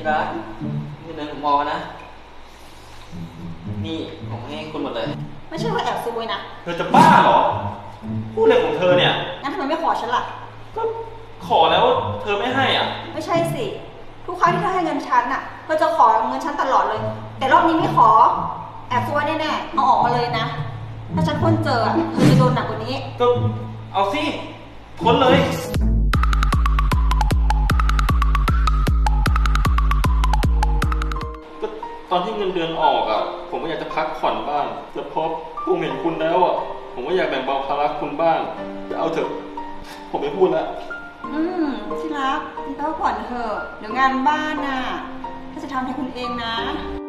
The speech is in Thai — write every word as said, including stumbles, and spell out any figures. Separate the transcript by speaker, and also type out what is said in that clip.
Speaker 1: ที่รักเงินเดือนผมพอนะนี่ผมให้คุณหมดเลย
Speaker 2: ไม่ใช่ว่าแอบซุยนะ
Speaker 3: เธอจะบ้าเหรอพูดอะไรของเธอเนี่ย
Speaker 2: งั้นทำไมไม่ขอฉันล่ะ
Speaker 3: ก็ขอแล้วเธอไม่ให้อ่ะ
Speaker 2: ไม่ใช่สิทุกครั้งที่เธอให้เงินฉันอ่ะเธอจะขอเงินฉันตลอดเลยแต่รอบนี้ไม่ขอแอบซุยแน่ๆเอาออกมาเลยนะถ้าฉันค้นเจอเธอจะโดนหนักกว่านี้
Speaker 3: ก็เอาสิค้นเลยก็ตอนที่เงินเดือนออกอ่ะผมก็อยากจะพักผ่อนบ้างแต่พอผมเห็นคุณแล้วอ่ะผมก็อยากแบ่งเบาภาระคุณบ้างจะเอาเถอะผมไม่พูดแล้ว
Speaker 2: อืมที่รักคุณพักผ่อนเถอะเดี๋ยวงานบ้านน่ะถ้าจะทำให้คุณเองนะ